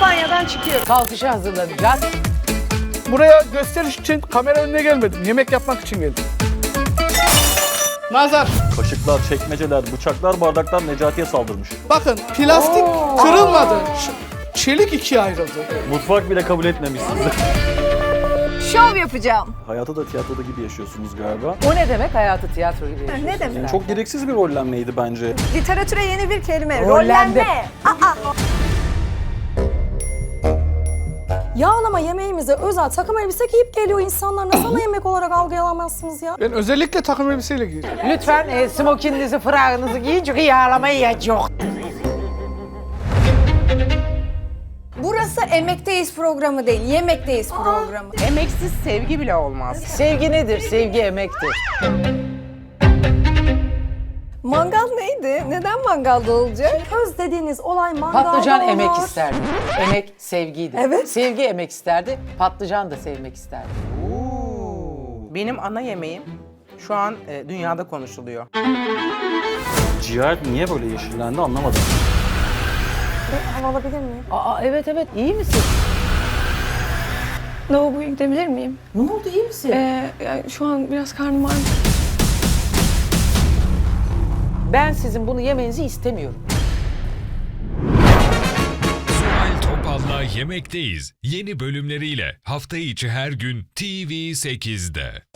banyodan çıkıyoruz. Kalkışa hazırlanacağız. Buraya gösteriş için kamera önüne gelmedim. Yemek yapmak için geldim. Nazar. Kaşıklar, çekmeceler, bıçaklar, bardaklar Necati'ye saldırmış. Bakın plastik kırılmadı. Çelik ikiye ayrıldı. Mutfak bile kabul etmemiş sizi. Şov yapacağım. Hayatı da tiyatroda gibi yaşıyorsunuz galiba. O ne demek hayatı tiyatro gibi yaşıyorsun? Ne demek? Çok gereksiz bir rollenmeydi bence. Literatüre yeni bir kelime. Rollenme. Rollenme. Yağlama yemeğimize özel takım elbise giyip geliyor insanlar. Nasıl ana yemek olarak algılayamazsınız ya? Ben özellikle takım elbiseyle giyeceğim. Lütfen smokinginizi, frağınızı giyin çünkü yağlama yiyecek. Burası Emekteyiz programı değil, Yemekteyiz programı. Emeksiz sevgi bile olmaz. Sevgi nedir? Sevgi emektir. Mangal neydi? Neden mangalda olacak? Köz dediğiniz olay mangalda Patlıcan olur. emek isterdi. Emek sevgiydi. Evet. Sevgi emek isterdi. Patlıcan da sevmek isterdi. Benim ana yemeğim şu an dünyada konuşuluyor. Ciğer niye böyle yeşillendi anlamadım. Hava alabilir miyim? Aa evet iyi misin? Lavaboya gidebilir miyim? Ne oldu iyi misin? Yani şu an biraz karnım ağrıyor. Ben sizin bunu yemenizi istemiyorum. Zuhal Topal'la Yemekteyiz yeni bölümleriyle hafta içi her gün TV8'de.